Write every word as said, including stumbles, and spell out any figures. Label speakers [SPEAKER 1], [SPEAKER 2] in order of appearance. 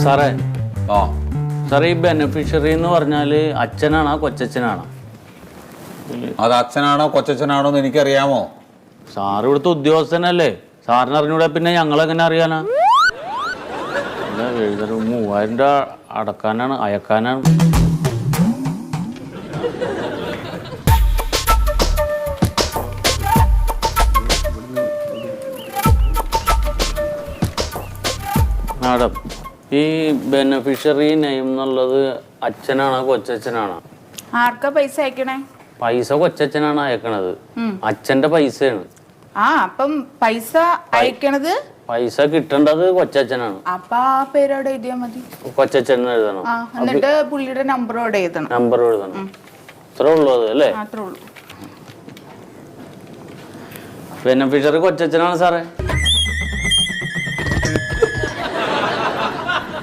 [SPEAKER 1] സാറേ
[SPEAKER 2] ആ
[SPEAKER 1] സാറേ ഈ ബെനിഫിഷ്യറി എന്ന് പറഞ്ഞാല് അച്ഛനാണോ കൊച്ചച്ഛനാണോ?
[SPEAKER 2] അത് അച്ഛനാണോ കൊച്ചച്ഛനാണോ എന്ന് എനിക്കറിയാമോ?
[SPEAKER 1] സാറ് ഇവിടുത്തെ ഉദ്യോഗസ്ഥനല്ലേ, സാറിന് അറിഞ്ഞൂടെ പിന്നെ ഞങ്ങളെങ്ങനെ അറിയാനാ? എഴുതരു മൂവായിരം രൂപ അടക്കാനാണ് അയക്കാനാണ്. മാഡം, ഈ ബെനിഫിഷ്യറി നെയിം എന്നുള്ളത് അച്ഛനാണോ കൊച്ചച്ഛനാണോ?
[SPEAKER 3] ആർക്കാ പൈസ അയക്കണേ?
[SPEAKER 1] പൈസ കൊച്ചച്ഛനാണ് അയക്കണത്, അച്ഛന്റെ പൈസയാണ്.
[SPEAKER 3] ആ അപ്പം പൈസ അയക്കണത്
[SPEAKER 1] പൈസ കിട്ടേണ്ടത് കൊച്ചച്ഛനാണ്.
[SPEAKER 3] അപ്പൊ ആ പേരോടെ എഴുതിയാ മതി.
[SPEAKER 1] കൊച്ചച്ഛൻ എഴുതണം,
[SPEAKER 3] ആ എന്നിട്ട് പുള്ളിയുടെ നമ്പറോടെ എഴുതണം.
[SPEAKER 1] നമ്പർ എഴുതണം, അത്രേ ഉള്ളൂ അത് അല്ലേ?
[SPEAKER 3] അത്രേ ഉള്ളൂ.
[SPEAKER 1] ബെനിഫിഷ്യറി കൊച്ചച്ഛനാണ് സാറേ.